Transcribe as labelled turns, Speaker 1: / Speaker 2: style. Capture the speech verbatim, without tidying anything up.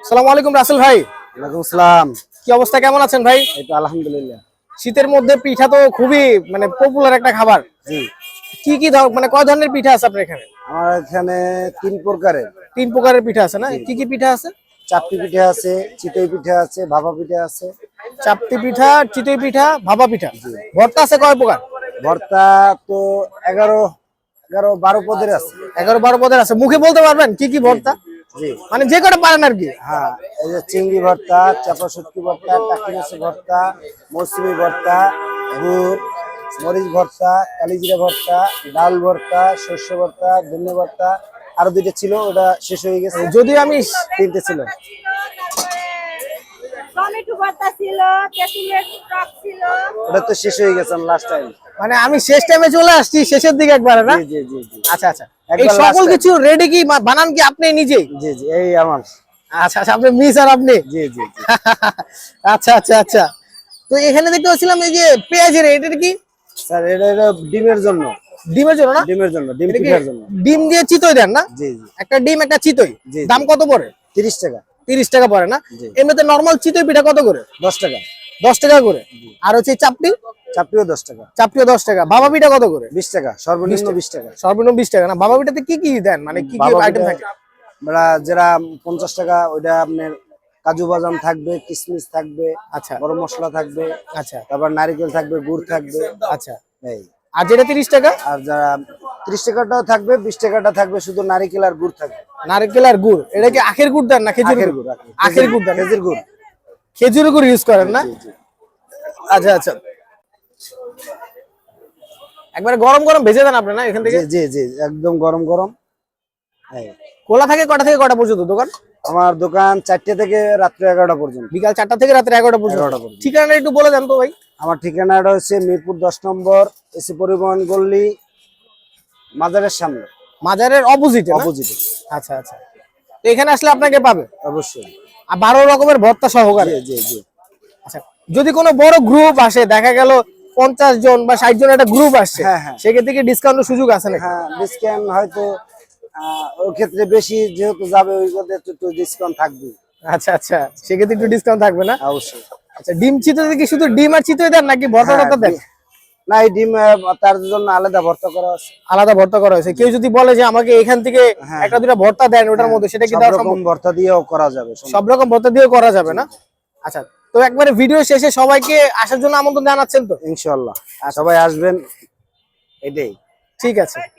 Speaker 1: আসসালামু আলাইকুম রাসেল ভাই।
Speaker 2: ওয়ালাইকুম আসসালাম।
Speaker 1: কি অবস্থা, কেমন আছেন ভাই?
Speaker 2: এই তো আলহামদুলিল্লাহ।
Speaker 1: শীতের মধ্যে পিঠা তো খুবই মানে পপুলার একটা খাবার।
Speaker 2: জি,
Speaker 1: কি কি ধর- মানে কয় ধরনের পিঠা আছে আপনার এখানে?
Speaker 2: আমার এখানে তিন প্রকারের।
Speaker 1: তিন প্রকারের পিঠা আছে না?
Speaker 2: জি।
Speaker 1: কি কি পিঠা আছে?
Speaker 2: চাপটি পিঠা আছে, চিতই পিঠা আছে, ভাপা পিঠা আছে।
Speaker 1: চাপটি পিঠা, চিতই পিঠা, ভাপা পিঠা। ভর্তা আছে কয় প্রকার?
Speaker 2: ভর্তা তো এগারো এগারো বারো পদের আছে।
Speaker 1: এগারো বারো পদের আছে। মুখে বলতে পারবেন কি কি ভর্তা?
Speaker 2: জি,
Speaker 1: মানে যে কটা পারেন আর কি।
Speaker 2: হ্যাঁ, এই যে চিংড়ি ভর্তা, চাপা শুটকি ভর্তা, টাকি মাছের ভর্তা, মৌসুমি ভর্তা, গুড় মরিচ ভর্তা, কালিজিরা ভর্তা, ডাল ভর্তা, শস্য ভর্তা, ধনে ভর্তা। আরো দুইটা ছিল, ওটা শেষ হয়ে গেছে।
Speaker 1: যদি আমি
Speaker 2: তিনটে ছিল।
Speaker 3: টমেটো ভর্তা ছিল, তেঁতুলের টক ছিল।
Speaker 2: ওটা তো শেষ হয়ে গেছে লাস্ট টাইম।
Speaker 1: মানে আমি শেষ টাইমে চলে আসছি, শেষের দিকে একবারে না?
Speaker 2: জি জি জি জি।
Speaker 1: আচ্ছা আচ্ছা। এই
Speaker 2: একবার last
Speaker 1: সকল
Speaker 2: time।
Speaker 1: কিছু রেডি কি মা- বানান কি আপনি নিজেই?
Speaker 2: জি জি, এই আমার।
Speaker 1: আচ্ছা আচ্ছা, আপনি মিস আর আপনি।
Speaker 2: জি জি জি।
Speaker 1: আচ্ছা আচ্ছা আচ্ছা। তো এখানে দেখতে পাচ্ছিলাম এই যে পেঁয়াজের, এটা কি?
Speaker 2: স্যার এটা এটা ডিমের জন্য।
Speaker 1: ডিমের জন্য না?
Speaker 2: ডিমের জন্য, ডিম
Speaker 1: এটা কি
Speaker 2: পিঠার জন্য।
Speaker 1: ডিম দিয়ে চিতই দেন না?
Speaker 2: জি জি।
Speaker 1: একটা ডিম একটা চিতই।
Speaker 2: জি, জি।
Speaker 1: দাম কত পড়ে?
Speaker 2: তিরিশ টাকা।
Speaker 1: তিরিশ টাকা পড়ে না?
Speaker 2: জি।
Speaker 1: এমনিতে নরমাল চিতই পিঠা কত করে?
Speaker 2: দশ টাকা।
Speaker 1: দশ টাকা করে। আর হচ্ছে চাপটি,
Speaker 2: চাপটিও দশ টাকা।
Speaker 1: চাপটিও দশ টাকা। ভাপা পিঠা কত করে?
Speaker 2: বিশ টাকা, সর্বনিম্ন বিশ টাকা।
Speaker 1: সর্বনিম্ন বিশ টাকা না? ভাপা পিঠাতে কি কি দেন, মানে কি কি
Speaker 2: বাবা
Speaker 1: আইটেম
Speaker 2: পিঠা-
Speaker 1: থাকে?
Speaker 2: আমরা যারা পঞ্চাশ টাকা, ওইটা আপনার কাজু বাদাম থাকবে, কিশমিশ থাকবে,
Speaker 1: আচ্ছা
Speaker 2: গরম মশলা থাকবে,
Speaker 1: আচ্ছা
Speaker 2: তারপর নারকেল থাকবে, গুড় থাকবে।
Speaker 1: আচ্ছা।
Speaker 2: এই
Speaker 1: আর যেটা তিরিশ টাকা?
Speaker 2: আর যারা ত্রিশ টাকাটাও থাকবে, বিশ টাকাটা থাকবে শুধু নারকেল আর গুড় থাকবে।
Speaker 1: নারকেল আর গুড়। এটা কি আখের গুড় দেন না খেজুর
Speaker 2: আখের
Speaker 1: গুড়?
Speaker 2: গুড়, আখের-
Speaker 1: আখের গুড় দেন।
Speaker 2: খেজুর গুড়।
Speaker 1: খেজুর গুড় ইউজ করেন না?
Speaker 2: জি জি।
Speaker 1: আচ্ছা আচ্ছা। একবারে গরম গরম ভেজে দেন আপনি না এখান থেকে?
Speaker 2: জি জি জি, একদম গরম গরম। এই
Speaker 1: খোলা থাকে কটা থেকে কটা পর্যন্ত দোকান?
Speaker 2: আমার দোকান চারটে থেকে রাত্রে এগারোটা পর্যন্ত।
Speaker 1: বিকাল চারটা থেকে রাত্রে এগারোটা পর্যন্ত।
Speaker 2: এগারোটা পর্যন্ত।
Speaker 1: ঠিকানা একটু বলে দেন তো ভাই।
Speaker 2: আমার ঠিকানাটা হচ্ছে মিরপুর দশ নম্বর, এসি পরিবহন গল্লি, মাজারের সামনে,
Speaker 1: মাজারের অপোজিটে।
Speaker 2: অপোজিটে।
Speaker 1: আচ্ছা আচ্ছা। তো এখানে আসলে আপনাকে পাবে
Speaker 2: অবশ্যই।
Speaker 1: আর বারো রকমের ভর্তা সহকারে।
Speaker 2: জি জি জি।
Speaker 1: আচ্ছা, যদি কোনো বড় গ্রুপ আসে, দেখা গেল পঞ্চাশ জন বা ষাট জন একটা গ্রুপ আসছে,
Speaker 2: হ্যাঁ, হ্যাঁ।
Speaker 1: সেক্ষেত্রে কি ডিসকাউন্টের সুযোগ আছে নাকি?
Speaker 2: হ্যাঁ, ডিসকাউন্ট হয়তো আহ, ওই ক্ষেত্রে বেশি যেহেতু যাবে, ওই ক্ষেত্রে একটু একটু ডিসকাউন্ট থাকবে।
Speaker 1: আচ্ছা আচ্ছা, সেক্ষেত্রে একটু ডিসকাউন্ট থাকবে না?
Speaker 2: অবশ্যই।
Speaker 1: আচ্ছা, ডিম চিতই কি শুধু ডিম আর চিতই দেন নাকি ভর্তা
Speaker 2: হ্যাঁ,
Speaker 1: টর্তা দেন?
Speaker 2: ডি- না, এই ডিম আহ, তার জন্য আলাদা ভর্তা করা আছে।
Speaker 1: আলাদা ভর্তা করা হয়েছে। কেউ যদি বলে যে আমাকে এখান থেকে
Speaker 2: হ্যাঁ,
Speaker 1: একটা দুটা ভর্তা দেন ওটার মধ্যে, সেটা কি
Speaker 2: সব
Speaker 1: দেওয়া
Speaker 2: রকম
Speaker 1: সম্ভব?
Speaker 2: ভর্তা দিয়েও করা যাবে।
Speaker 1: সব রকম ভর্তা দিয়েও করা যাবে না? আচ্ছা, তো একবারে ভিডিও শেষে সবাইকে আসার জন্য আমন্ত্রণ জানাচ্ছেন তো?
Speaker 2: ইনশাআল্লাহ, আর সবাই আসবেন, এটাই।
Speaker 1: ঠিক আছে।